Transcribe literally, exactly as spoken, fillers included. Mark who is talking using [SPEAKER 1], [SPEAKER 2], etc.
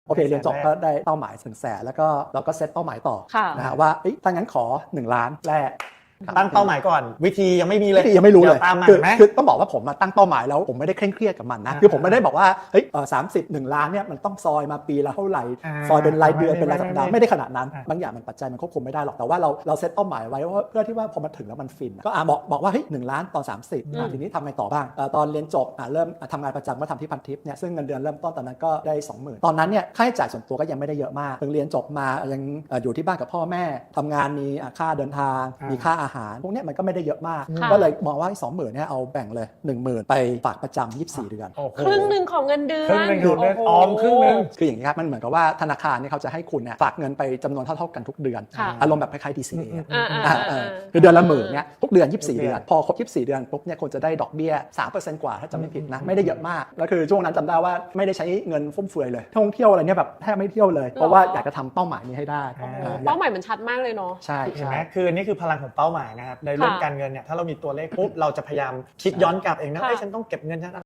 [SPEAKER 1] โอเคเรียนจบก็ได้เป้าหมายหนึ่งแสนแล้วก็เราก็เซตเป้าหมายต่อนะฮะว่าถ้างั้นขอหนึ่งล้านแรก
[SPEAKER 2] ตั้งเป้าหมายก่อนวิธียังไม่มีเลย
[SPEAKER 1] วิธียังไม่รู้เลย
[SPEAKER 2] ตามมา
[SPEAKER 1] คือ
[SPEAKER 2] ไหม
[SPEAKER 1] คือต้องบอกว่าผมมาตั้งเป้าหมายแล้วผมไม่ได้เคร่งเครียดกับมันนะคือผมไม่ได้บอกว่าเฮ้ยสามสิบหนึ่งล้านเนี่ยมันต้องซอยมาปีละเท่าไหร่ซอยเป็นรายเดือนเป็นรายสัปดาห์ไม่ได้ขนาดนั้นบางอย่างมันปัจจัยมันควบคุมไม่ได้หรอกแต่ว่าเราเราเซตเป้าหมายไว้ว่าเพื่อที่ว่าพอมาถึงแล้วมันฟินก็อ่ะบอกบอกว่าเฮ้ยหนึ่งล้านตอนสามสิบทีนี้ทำไงต่อบ้างตอนเรียนจบเริ่มทำงานประจำก็ทำที่พันทิปเนี่ยซึ่งเงินเดือนเริ่มต้นตอนนั้นก็ได้ สองหมื่น ตอนนั้นเนี่ยค่าใช้จ่ายส่วนตัวก็ยังไม่ได้เยอะมากเพิ่งเรียนจบมายังอยู่ที่บ้านกับพ่อแม่ทำงานมีค่าเดินทางมีค่าอาหารพวกนี้มันก็ไม่ได้เยอะมากก็เลยมองว่าสองหมื่นเนี่ยเอาแบ่งเลย หนึ่งหมื่น ไปฝากประจำยี่สิบสี่เดือน
[SPEAKER 3] ครึ่งหนึ่งของเงินเดือน
[SPEAKER 2] ครึ่งหนึ่งของเงินออมครึ่งหนึ่ง
[SPEAKER 1] คืออย่างนี้ครับมันเหมือนกับว่าธนาคารเนี่ยเขาจะให้คุณเนี่ยฝากเงินไปจำนวนเท่าๆกันทุกเดือนอารมณ์แบบคล้ายๆ ดี ซี เอ คือเดือนละหมื่นเนี่ยทุกเดือนยี่สิบสี่เดือนพอครบยี่สิบสี่เดือนปุ๊บเนี่ยคุณจะได้ดอกเบี้ย สามเปอร์เซ็นต์ กว่าถ้าจำไม่ผิดนะไม่ได้เยอะมากแล้วคือช่วงนั้นจำได้ว่าไม่ได้ใช้เงินฟุ่มเฟือยเลยท่องเที่ยวอะไรเนี่ยแบบแทบไม่เที่ยวเลยเพราะว่าอยากจะทำเป้าหมายนี้ให้ได้
[SPEAKER 3] เป้าหมายมันชัดมากเลยเนาะ
[SPEAKER 1] ใช่
[SPEAKER 2] เห็นไหมคืออันนี้คือพลังของเป้าหมายนะครับในเรื่องการเงินเนี่ยถ้าเรามีตัวเลขปุ๊บเราจะพยายามคิดย้อนกลับเองนะไอ้ฉันต้องเก็บเงินฉัน